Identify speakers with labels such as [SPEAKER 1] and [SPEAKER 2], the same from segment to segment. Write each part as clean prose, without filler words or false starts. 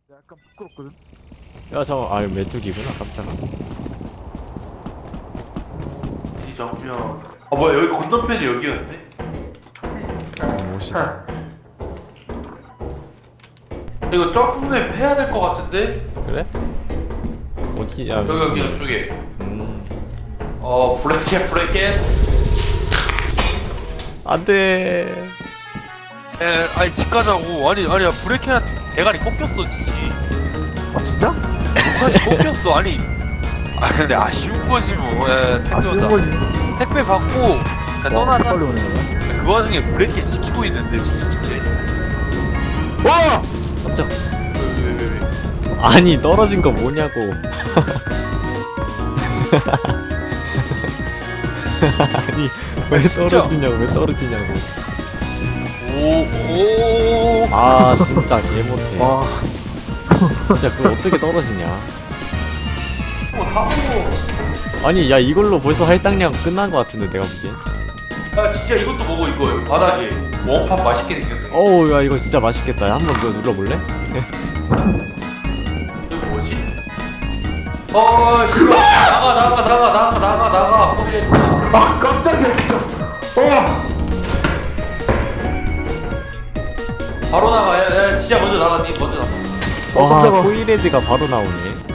[SPEAKER 1] 약간 부끄럽거든.
[SPEAKER 2] 야 잠깐 아 메뚜기구나 깜짝아.
[SPEAKER 3] 이 정면. 뭐야, 여기 건너편이 여기였네?
[SPEAKER 2] 멋있다.
[SPEAKER 3] 이거 점프맵 해야 될 것 같은데?
[SPEAKER 2] 그래? 어디야?
[SPEAKER 3] 여기 이쪽에. 브레켓.
[SPEAKER 2] 안돼.
[SPEAKER 4] 아니 집 가자고. 아니야 브레이크한테 대가리 꺾였어 지지.
[SPEAKER 1] 아 진짜?
[SPEAKER 4] 목까지 꺾였어. 아니 근데 아쉬운 거지 뭐. 택배
[SPEAKER 1] 아쉬운
[SPEAKER 4] 온다.
[SPEAKER 1] 거지.
[SPEAKER 4] 택배 받고 떠나자.
[SPEAKER 1] 빨리 오네 거야.
[SPEAKER 4] 그 와중에 브레이크 지키고 있는데 진짜.
[SPEAKER 1] 와!
[SPEAKER 2] 깜짝.
[SPEAKER 4] 왜.
[SPEAKER 2] 아니 떨어진 거 뭐냐고. 아니 왜 떨어지냐고 왜 떨어지냐고.
[SPEAKER 4] 오.
[SPEAKER 2] 아 진짜 개 못해.
[SPEAKER 1] 와.
[SPEAKER 2] 진짜 그거 어떻게 떨어지냐.
[SPEAKER 3] 타고.
[SPEAKER 2] 아니 야 이걸로 벌써 할당량 끝난 거 같은데 내가 보기엔.
[SPEAKER 3] 야, 진짜 이것도 먹어, 이거. 바닥에. 원팝 맛있게 생겼네.
[SPEAKER 2] 어우 야 이거 진짜 맛있겠다. 한번 그거 눌러볼래?
[SPEAKER 3] 이거 뭐지? 씨발. 나가.
[SPEAKER 1] 아 깜짝이야 진짜.
[SPEAKER 3] 바로 나가. 야, 진짜 먼저 나가. 니 먼저 나가.
[SPEAKER 2] 와
[SPEAKER 1] 깜짝아.
[SPEAKER 2] 코일헤드가 바로 나오네.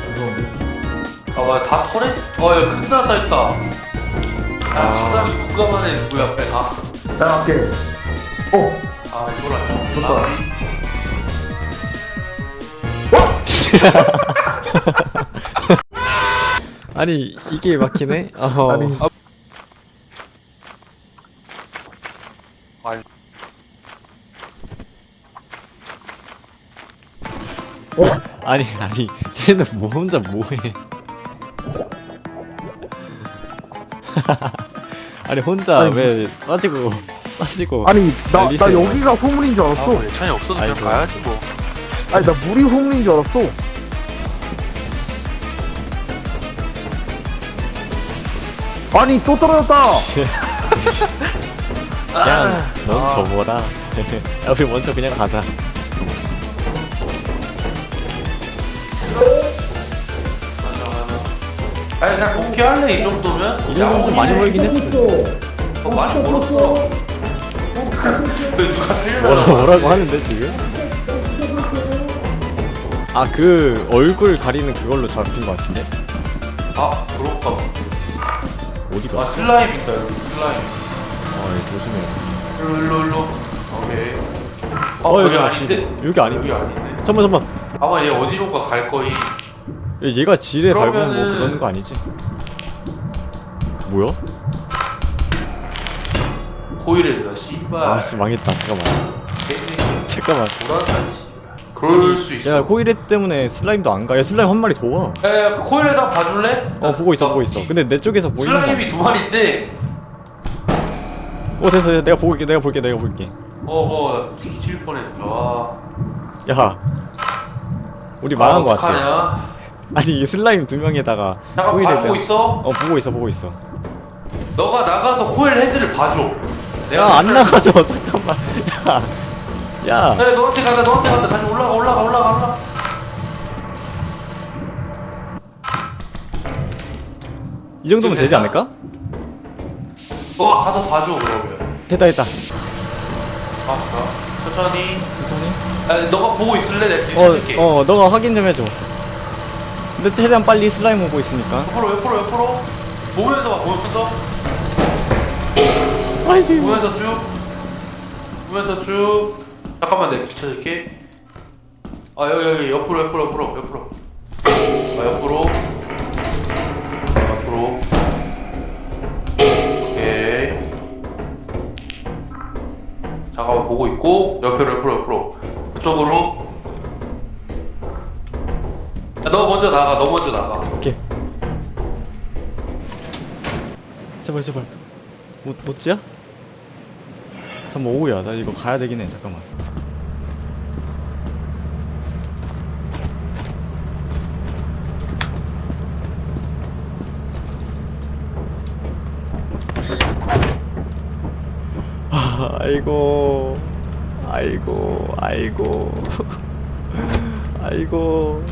[SPEAKER 3] 뭐야, 다 터네? 야, 큰 나사 있다. 야,
[SPEAKER 2] 아.
[SPEAKER 3] 시장이 국가만에 누구야, 앞에 가.
[SPEAKER 1] 나 갈게.
[SPEAKER 3] 이걸 안
[SPEAKER 1] 좋다.
[SPEAKER 2] 아니 이게 막히네?
[SPEAKER 1] 아니.
[SPEAKER 2] 아니 쟤는 뭐 혼자 뭐해. 아니 혼자
[SPEAKER 1] 아니,
[SPEAKER 2] 왜 빠지고
[SPEAKER 1] 아니 나
[SPEAKER 2] 날리세요.
[SPEAKER 1] 여기가 소문인 줄 알았어.
[SPEAKER 4] 예찬이 없어도 그냥
[SPEAKER 2] 아이고.
[SPEAKER 4] 가야지 뭐.
[SPEAKER 1] 아니 나 물이 소문인 줄 알았어. 아니 또 떨어졌다.
[SPEAKER 2] 그냥 넌 접어라. 야, 우리 먼저 그냥 가자.
[SPEAKER 3] 아니, 그냥 복귀할래, 이 정도면?
[SPEAKER 2] 이 정도면 좀 많이 멀긴 했어.
[SPEAKER 3] 많이 멀었어. 왜 누가 살려달라고
[SPEAKER 2] 뭐라고 하는데 지금? 아 그 얼굴 가리는 그걸로 잡힌 것 같은데?
[SPEAKER 3] 그런가 봐.
[SPEAKER 2] 어디가?
[SPEAKER 3] 슬라임 있다, 여기 슬라임.
[SPEAKER 2] 아 조심해.
[SPEAKER 3] 일로. 오케이.
[SPEAKER 2] 여기
[SPEAKER 3] 여기 아닌데?
[SPEAKER 2] 여기 아닌데?
[SPEAKER 3] 여기 아닌데?
[SPEAKER 2] 잠깐만.
[SPEAKER 3] 아마 얘 어디론가 갈 거임.
[SPEAKER 2] 얘가 지뢰 밟으면 뭐
[SPEAKER 3] 그러면은-
[SPEAKER 2] 그러는 거 아니지? 뭐야?
[SPEAKER 3] 호일에다 씨발.
[SPEAKER 2] 아씨 망했다. 잠깐만.
[SPEAKER 3] 불안한 씨. 그럴 수 있어.
[SPEAKER 2] 야 코일헤드 때문에 슬라임도 안 가. 야 슬라임 한 마리 더 와.
[SPEAKER 3] 야, 코일에다 봐줄래?
[SPEAKER 2] 보고 있어. 근데 내 쪽에서 보이는 거.
[SPEAKER 3] 슬라임이 두 마리인데.
[SPEAKER 2] 됐어. 내가 볼게.
[SPEAKER 3] 나 뒤질 뻔했어.
[SPEAKER 2] 야, 우리 망한 거 같아.
[SPEAKER 3] 어떡하냐?
[SPEAKER 2] 아니 이 슬라임 두 명에다가
[SPEAKER 3] 잠깐
[SPEAKER 2] 코일헤드.
[SPEAKER 3] 봐주고 있어.
[SPEAKER 2] 보고 있어.
[SPEAKER 3] 너가 나가서 코일 헤드를 봐줘.
[SPEAKER 2] 야 안 나가서 잠깐만. 야.
[SPEAKER 3] 너한테 간다. 다시 올라가.
[SPEAKER 2] 이 정도면 되지 않을까?
[SPEAKER 3] 너가 가서 봐줘 그러면.
[SPEAKER 2] 됐다.
[SPEAKER 3] 천천히.
[SPEAKER 2] 천천히.
[SPEAKER 3] 너가 보고 있을래? 내가 뒤에 찾을게.
[SPEAKER 2] 너가 확인 좀 해줘. 근데 최대한 빨리 슬라임 오고 있으니까.
[SPEAKER 3] 옆으로. 보면서.
[SPEAKER 2] 아이씨.
[SPEAKER 3] 보면서 쭉. 잠깐만, 내가 뒤쳐줄게. 여기 옆으로. 옆으로. 오케이. 잠깐만, 보고 있고. 옆으로. 그쪽으로. 야, 너 먼저 나가.
[SPEAKER 2] 오케이. 제발. 못지야? 잠깐만 오우야 나 이거 가야 되긴 해. 잠깐만. 아이고 아이고.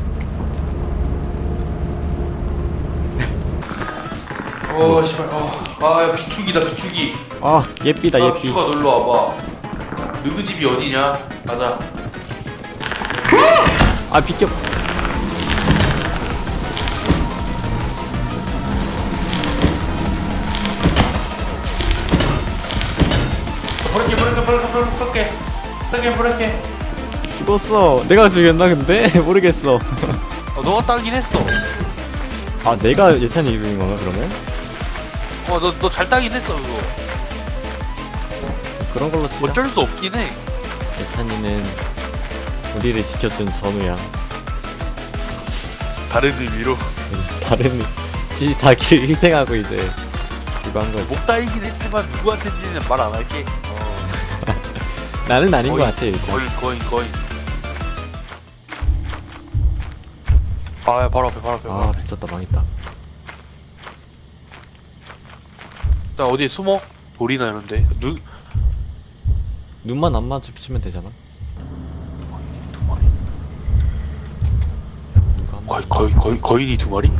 [SPEAKER 3] 씨발. 야, 비축이다, 비축이.
[SPEAKER 2] 아, 예삐다, 예삐.
[SPEAKER 3] 비축아, 놀러 와봐. 너희 집이 어디냐? 가자.
[SPEAKER 2] 아, 비켜.
[SPEAKER 3] 버릴게.
[SPEAKER 2] 죽었어. 내가 죽였나, 근데? 모르겠어.
[SPEAKER 4] 너가 따긴 했어.
[SPEAKER 2] 아, 내가 예찬이 이름인 건가, 그러면?
[SPEAKER 4] 너 잘 따긴 했어 그거.
[SPEAKER 2] 그런 걸로 치자.
[SPEAKER 4] 어쩔 수 없긴 해.
[SPEAKER 2] 예찬이는 우리를 지켜준 전우야.
[SPEAKER 4] 다른 의미로.
[SPEAKER 2] 다른, 자기를 희생하고 이제, 그거 한 거지.
[SPEAKER 4] 목 따이긴 했지만 누구한테인지는 말 안 할게.
[SPEAKER 2] 나는 아닌 것
[SPEAKER 4] 거의,
[SPEAKER 2] 같아, 일단.
[SPEAKER 4] 거의. 아, 야, 바로 앞에.
[SPEAKER 2] 아, 미쳤다, 망했다.
[SPEAKER 4] 나 어디에 숨어? 돌이나 이런데.
[SPEAKER 2] 눈만 안 마주치면 되잖아.
[SPEAKER 4] 두 마리.
[SPEAKER 2] 누가 한 번.
[SPEAKER 4] 거인이 두 마리?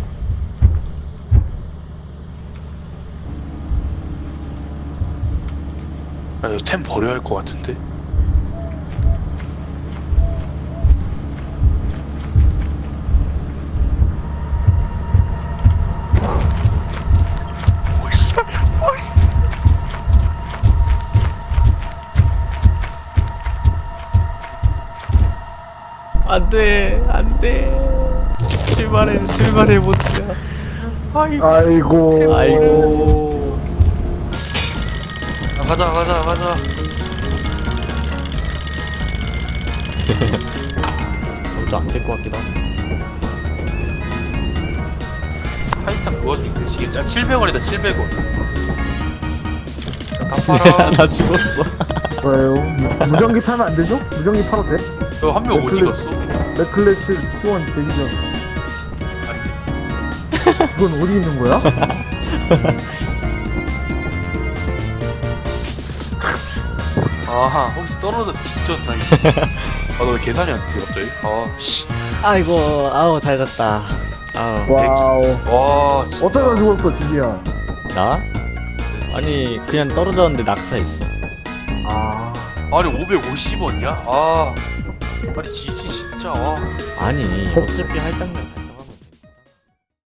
[SPEAKER 4] 야, 이거 템 버려야 할 것 같은데?
[SPEAKER 2] 안 돼. 출발해, 못해.
[SPEAKER 1] 아이고.
[SPEAKER 2] 아이고.
[SPEAKER 4] 야, 가자.
[SPEAKER 2] 저도 안 될 것 같기도 하고.
[SPEAKER 4] 타이탄 그 와중에 대시겠지? 700원이다, 700원. 다 팔아.
[SPEAKER 2] 나 죽었어.
[SPEAKER 1] 왜요? 무전기 타면 안 되죠? 무전기 팔아도 돼?
[SPEAKER 4] 한 명 어디 갔어?
[SPEAKER 1] 넥클래스 T1 대기 전. 이건 어디 있는 거야?
[SPEAKER 4] 아하, 혹시 떨어져 뒤졌나 이거. 너 왜 계산이 안 돼, 갑자기? 씨.
[SPEAKER 2] 아이고, 아우, 잘 잤다. 아우.
[SPEAKER 1] 와우.
[SPEAKER 4] 와, 진짜.
[SPEAKER 1] 어쩌다 죽었어, 지지야?
[SPEAKER 2] 나? 아니, 그냥 떨어졌는데 낙사했어.
[SPEAKER 1] 아.
[SPEAKER 4] 아니, 550원이야? 아니, 지지, 진짜.
[SPEAKER 2] 아니, 어차피 할당량